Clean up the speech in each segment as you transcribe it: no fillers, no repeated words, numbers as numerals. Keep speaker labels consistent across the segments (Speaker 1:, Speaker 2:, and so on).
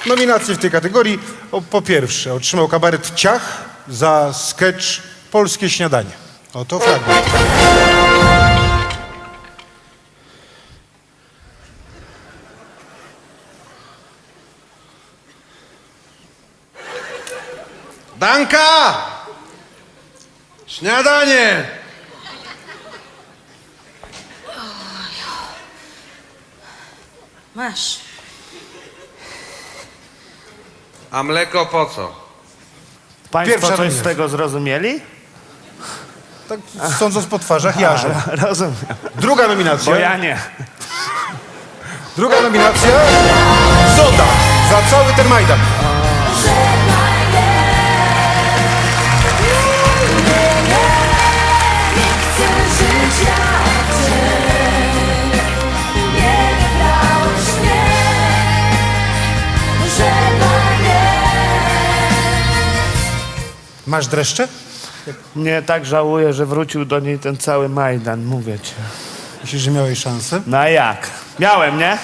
Speaker 1: Nominacje w tej kategorii po pierwsze otrzymał kabaret Ciach za sketch Polskie Śniadanie. Oto fragment.
Speaker 2: Danka! Śniadanie!
Speaker 3: Masz.
Speaker 2: A mleko po co?
Speaker 4: Państwo
Speaker 1: Pierwsza
Speaker 4: coś z
Speaker 1: nominacja.
Speaker 4: tego zrozumieli?
Speaker 1: Tak sądząc po twarzach, jarze.
Speaker 4: Rozumiem.
Speaker 1: Druga nominacja.
Speaker 4: Bo ja nie.
Speaker 1: Druga nominacja. Zoda za cały ten Majdan. Masz dreszcze?
Speaker 4: Nie, tak żałuję, że wrócił do niej ten cały Majdan, mówię ci.
Speaker 1: Myślisz, że miałeś szansę?
Speaker 4: No a jak? Miałem, nie?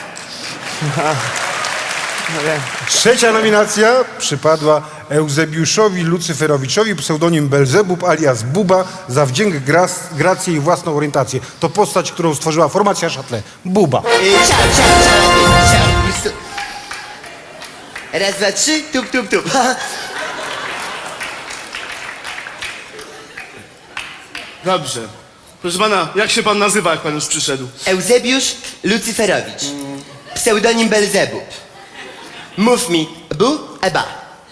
Speaker 4: No wiem.
Speaker 1: Trzecia nominacja przypadła Eusebiuszowi Lucyferowiczowi, pseudonim Belzebub alias Buba, za wdzięk, grację i własną orientację. To postać, którą stworzyła formacja Châtelet. Buba.
Speaker 5: Ciao. Raz, dwa, trzy, tup, tup, tup.
Speaker 6: Dobrze. Proszę pana, jak się pan nazywa, jak pan już przyszedł?
Speaker 5: Eusebiusz Lucyferowicz. Pseudonim Belzebub. Mów mi bu, eba.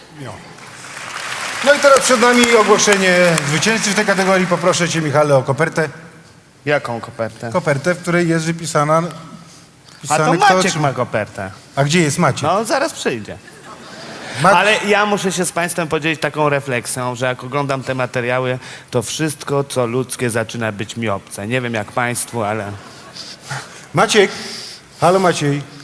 Speaker 1: No i teraz przed nami ogłoszenie zwycięzcy w tej kategorii. Poproszę cię, Michale, o kopertę.
Speaker 4: Jaką kopertę?
Speaker 1: Kopertę, w której jest wypisana...
Speaker 4: A to
Speaker 1: kto
Speaker 4: Maciek
Speaker 1: otrzyma-
Speaker 4: ma kopertę.
Speaker 1: A gdzie jest Maciek?
Speaker 4: No, zaraz przyjdzie. Ale ja muszę się z państwem podzielić taką refleksją, że jak oglądam te materiały, to wszystko, co ludzkie, zaczyna być mi obce. Nie wiem jak państwu, ale...
Speaker 1: Maciek! Halo, Maciej.